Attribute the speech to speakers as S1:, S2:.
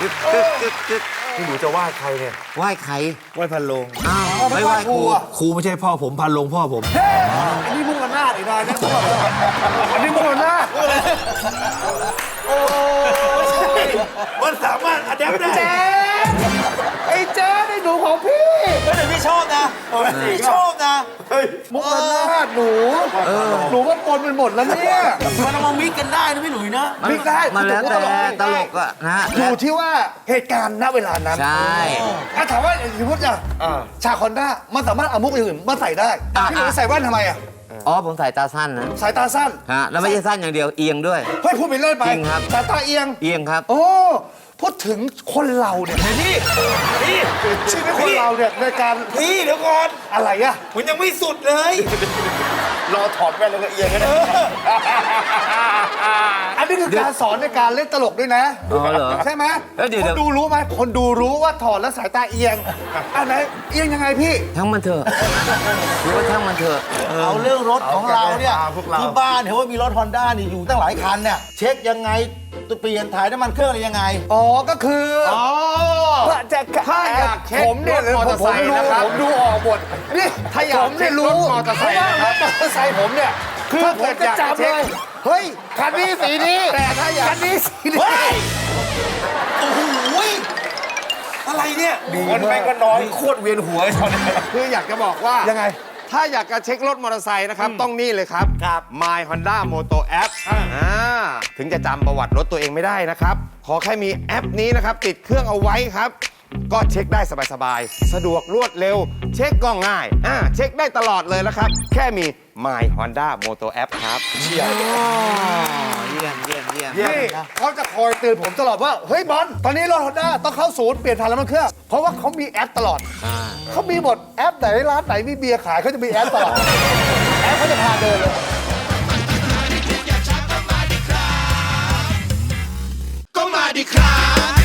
S1: นี่หนูจะไหว้ใครเนี่ย
S2: ไหว้ใคร
S1: ไหว้พันโลง
S2: อ้าวไม่ไหว้ครู
S1: ครูไม่ใช่พ่อผมพันโลงพ่อผม
S3: อันนี้มุ่งอำนาจไอ้นายนะอันนี้มุ่งอำนาจ
S1: มันสามารถอัดแอปได้
S3: เจ๊ไอ้เจ๊ไอ้หนูของพี่
S1: ก็เลยพี่ชอบนะพี่ชอบนะ
S3: มุ่งอำนาจหนูว่าปนเป็นหมดแล้วเนี่ย
S1: มันเอามามิกกันได้นะพี่หลุยนะ
S3: มิกได้
S2: มันแล้วแต่ตลกอะนะ
S3: อยู่ที่ว่าเหตุการณ์ณเวลานั้น
S2: ใช่
S3: ถามว่าสมมติจะชาคอนด้ามันสามารถเอามุกอื่นมาใส่ได้พี่หนูใส่แว่นทำไมอ่ะ
S2: อ๋อผมสายตาสั้นนะ
S3: สายตาสั้น
S2: ฮะแล้วไม่ใช่สั้นอย่างเดียวเอียงด้วย
S3: เฮ้ยพูดไปเล่นไป
S2: จริงครับ
S3: สายตาเอียง
S2: เอียงครับ
S3: โอ้พูดถึงคนเราเนี่ยพี่ชีวิตคนเราเนี่ยในการ
S1: พี่เดี๋ยวก่อน
S3: อะไรอะ
S1: มันยังไม่สุดเลย
S3: รอถอดแว่นแล้วก็เอียงกันอันนี้คือการสอนในการเล่นตลกด้วยนะ
S2: อ๋อเหรอ
S3: ใช่ไหม
S2: เดี๋ยว
S3: คนดูรู้ไหมคนดูรู้ว่าถอดแล้วสายตาเอียงอันไหนเอียงยังไงพี่
S2: ทั้งมันเถอะรู้ว่าทั้งมันเถอะ
S4: เอาเรื่องรถของเราเนี่ย
S1: พวกเรา
S4: ที่บ้านเห็นว่ามีรถฮอนด้านี่อยู่ตั้งหลายคันเนี่ยเช็คยังไงตัวเปลี่ยนถ่ายน้ำมันเครื่องอะไรยังไง
S3: อ๋อก็คือถ้าอยากผมเนี่ยมอเตอร์ไซค์นะครับผมดูออกหมดนี่ถ้าอยากผมเนี่ยรู้มอเตอร์ไซค์นะครับมอเตอร์ไซค์ผมเนี่ยคือผมจะจับเลยเฮ้ยคันนี้สีนี้แต่ถ้าอยากคันนี้สีนี้
S1: โอ้โหอะไรเนี่ยคนแม่งก็น้อยโคตรเวียนหัวตอนนี้
S5: คืออยากจะบอกว่า
S3: ยังไง
S5: ถ้าอยากจะเช็ครถมอเตอร์ไซค์นะครับ ต้องนี่เลยครับ My Honda Moto App ถึงจะจำประวัติรถตัวเองไม่ได้นะครับ ขอแค่มีแอปนี้นะครับ ติดเครื่องเอาไว้ครับ ก็เช็คได้สบายๆ สะดวกรวดเร็ว เช็คก็ง่ายเช็คได้ตลอดเลยแล้วครับ แค่มี My Honda Moto App ครับ
S2: เยี่ยมเยี่ยมเยี่ยม
S3: นี่เขาจะคอยเตือนผมตลอดว่า เฮ้ยบอลตอนนี้รถฮอนด้าต้องเข้าศูนย์เปลี่ยนถ่านน้ำมันเครื่อง เพราะว่าเขามีแอปตลอด เขามีหมดแอปไหนร้านไหนมีเบียร์ขายเขาจะมีแอปตลอด แอปเขาจะพาเดินเลย
S6: ก็มาดิครับ